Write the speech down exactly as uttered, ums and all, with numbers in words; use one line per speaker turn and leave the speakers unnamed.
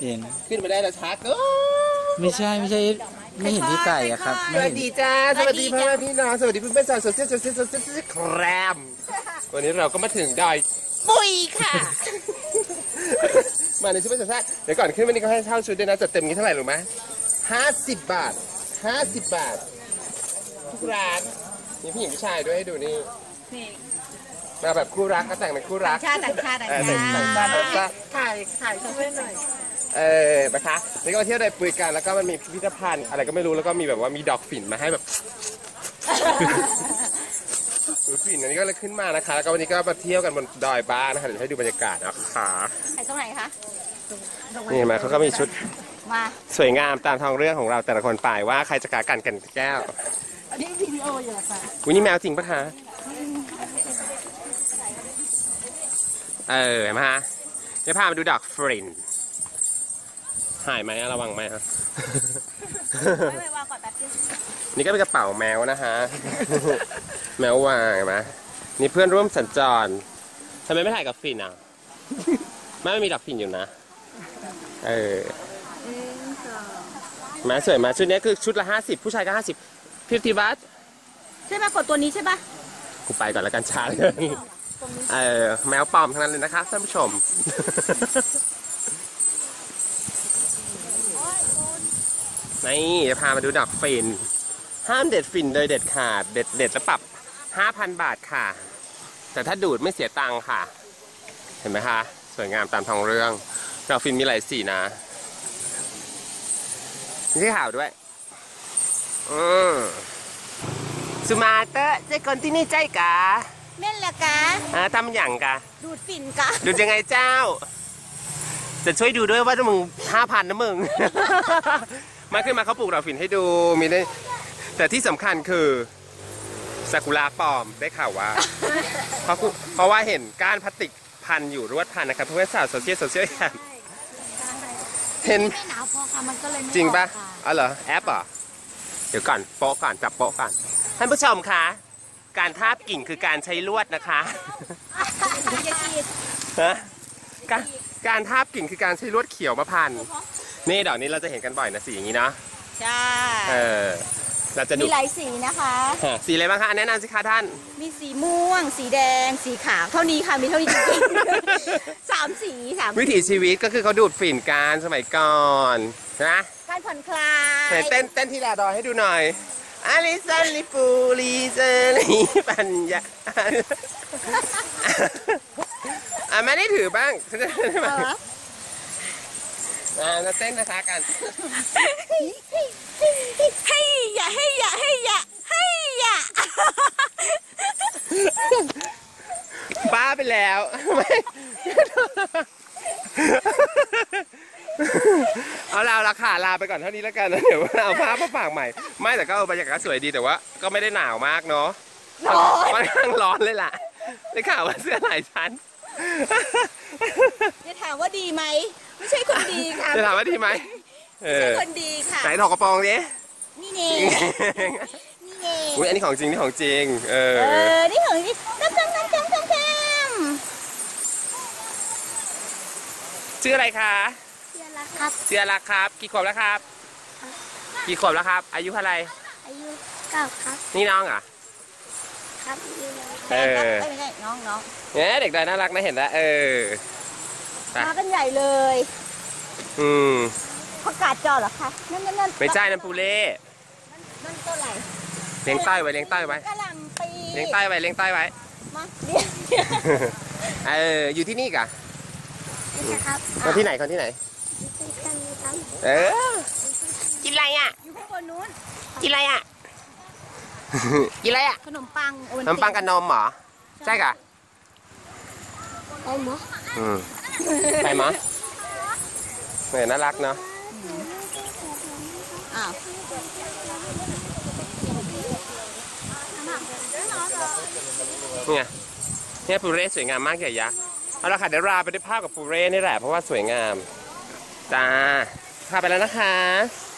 เห็น
ขึ้นมาได้แล้วชักก็
ไม่ใช่ไม่ใช่ไม่เห็นพี่ไก่อะครับ
สวัสดีจ้าสวัสดีพ่อพี่น้องสวัสดีเพื่อนเพื่อนสาวโซเชียลโซเชียลโซเชียลแครมวันนี้เราก็มาถึงดอยปุยค่ะมาในชุดเป็นสัตว์เดี๋ยวก่อนขึ้นวันนี้ก็ให้เช่าชุดด้วยนะจัดเต็มนี้เท่าไหร่รู้ไหมห้าสิบบาทห้าสิบบาททุกร้านมีผู้หญิงผู้ชายด้วยให้ดูนี่มาแบบคู่รักก็แต่งเป็นคู่รัก
ชาติต่างชาติต่างชาติ
ถ่ายถ่ายเพื่อนหน่อยเออนะคะนี่ก็เที่ยวดอยปุยกันแล้วก็มันมีพิพิธภัณฑ์อะไรก็ไม่รู้แล้วก็มีแบบว่ามีดอกฝิ่นมาให้แบบดูฝิ่นอันนี้ก็เลยขึ้นมานะคะแล้วก็วันนี้ก็มาเที่ยวกันบนดอยบ้านนะคะเดี๋ยวให้ดูบรรยากาศนะคะ
ไปตรงไหนคะ
นี่เห็นไหมเขาก็มีชุด
มา
สวยงามตามทองเรื่องของเราแต่ละคนไปว่าใครจะกากันกันแก้ว
อันนี้วิดีโออยู่ค่ะ
วันนี้แมวจริงปะคะเออเห็นไหมฮะเดี๋ยวพามาดูดอกฝิ่นหายไหมระวังไหมฮะ
ไม่วางก่อนแป๊บนึง
นี่ก็เป็นกระเป๋าแมวนะฮะแมววางเห็นไหมนี่เพื่อนร่วมสัญจรทำไมไม่ถ่ายกับฝิ่นอ่ะไม่ไม่มีดอกฝิ่นอยู่นะเออมาสวยมาชุดนี้คือชุดละห้าสิบผู้ชายก็ห้าสิบพิธีวัต
ใช่ป่ะกดตัวนี้ใช่ป่ะ
กูไปก่อนแล้วกันช้าเลยเออแมวปลอมทั้งนั้นเลยนะคะท่านผู้ชมนี่จะพามาดูดอกฝิ่นห้ามเด็ดฝิ่นโดยเด็ดขาดเด็ดเด็ดแล้วปรับห้าพันบาทค่ะแต่ถ้าดูดไม่เสียตังค่ะเห็นไหมคะสวยงามตามท้องเรื่องดอกฝิ่นมีหลายสีนะมีขาวด้วยอืมสุมาเตอร์เจ้าคนที่นี่ใจกะ
แม่นละกะ
อ่าทำอย่างกะ
ดูดฝิ่นกะ
ดูดยังไงเจ้าจะช่วยดูด้วยว่ามึงห้าพันนะมึงมาขึ้นมาเขาปลูกดอกฝิ่นให้ดูมีได้แต่ที่สำคัญคือซากุระปลอมได้ข่าวว่าเพราะเพราะว่าเห็นก้านพลาสติกพันอยู่รวดพันนะครับเพื่อนสาวโซเชียลโซเชียลเห็น
ไม่หนาวพอค่ะมันก็เลย
จริงปะอ๋อเหรอแอปอ่ะเดี๋ยวก่อนโป๊ะก่อนจับโป๊ะก่อนท่านผู้ชมคะการทาบกิ่งคือการใช้ลวดนะคะฮะการการทาบกิ่งคือการใช้ลวดเขียวมาพันนี่ดอกนี้เราจะเห็นกันบ่อยนะสีอย่างนี้เนาะ
ใช่
เออเราจะดู
มีหลายสีนะคะ
สีอะไรบ้างคะแนะนำสิคะท่าน
มีสีม่วงสีแดงสีขาวเท่านี้ค่ะมีเท่านี้จริงๆสามสีสาม
วิถีชีวิตก็คือเขาดูดฝิ่นกันสมัยก่อนนะ
การผ่อนคลาย
เต้นเต้นที่แลดอยให้ดูหน่อยอาลิซันลิปูลิเซลีปัญญาอ่ะไม่ได้ถือบ้างฉันจะได้ไหมอ่าเต้นนะคะกัน
ให้อย่าให้อย่าให้อย่าให้อย่า
บ้าไปแล้วเอาลาราคาลาไปก่อนเท่านี้แล้วกันนะเดี๋ยวเอาภาพมาฝากใหม่ไม่แต่ก็บรรยากาศสวยดีแต่ว่าก็ไม่ได้หนาวมากเนาะค่อนข้างร้อนเลยล่ะได้ข่าวว่าเสื้อหลายชั้น
จะถามว่าดีไหมไม่ใช่คนดีค่ะ
จะถามว่าดีไหม
ไม่ใช่คนดีค่ะ
ไหนถอดกระโปรงดิ
นี่เองนี่เอง
อุ้ยอันนี้ของจริงนี่ของจริงเออ
เออนี่ของจริงน้ำน้ำน้ำน้ำน้ำน้
ชื่ออะไรคะ
เชียร์ละครับ
เชียร์ละครับกี่ขวบแล้วครับกี่ขวบแล้วครับอายุเท่าไร
อายุเก้าครับ
นี่น้องอ่ะ
ครับ
เออ
ไม่ใช่น้องน้อง
เนี่ยเด็กๆน่ารักนะเห็นแล้วเออ
มากันใหญ่เลย
อืม
ผักกาดจอเหรอคะนั่นนั่นนั่น
ไม่ใช่นั่นปูเล่
นั่นตัวไหน
เลี้ยงใต้ไว้เลี้ยงใต้ไว้
กะหล่ำปี
เลี้ยงใต้ไว้เลี้ยงใต้ไว้
มาเลี้ยง
เอออยู่ที่นี่กะ
ครับ
คนที่ไหนคนที่ไหนเออกินอะไรอ่ะ
อยู่ข้างบนนู้น
กินอะไรอ่ะกินอะไรอ่ะ
ขนมปัง
ขนมปังกับนมเหรอใช่กะ
ไปมั้ย
อืมไปมั้ยเหมือนน่ารักเนาะ
อ้าว
นี่ไงเนี่ยปูเร่สวยงามมากใหญ่ยักษ์เอาละค่ะเดี๋ยวลาไปด้วยภาพกับปูเร่นี่แหละเพราะว่าสวยงามจ้าพาไปแล้วนะคะ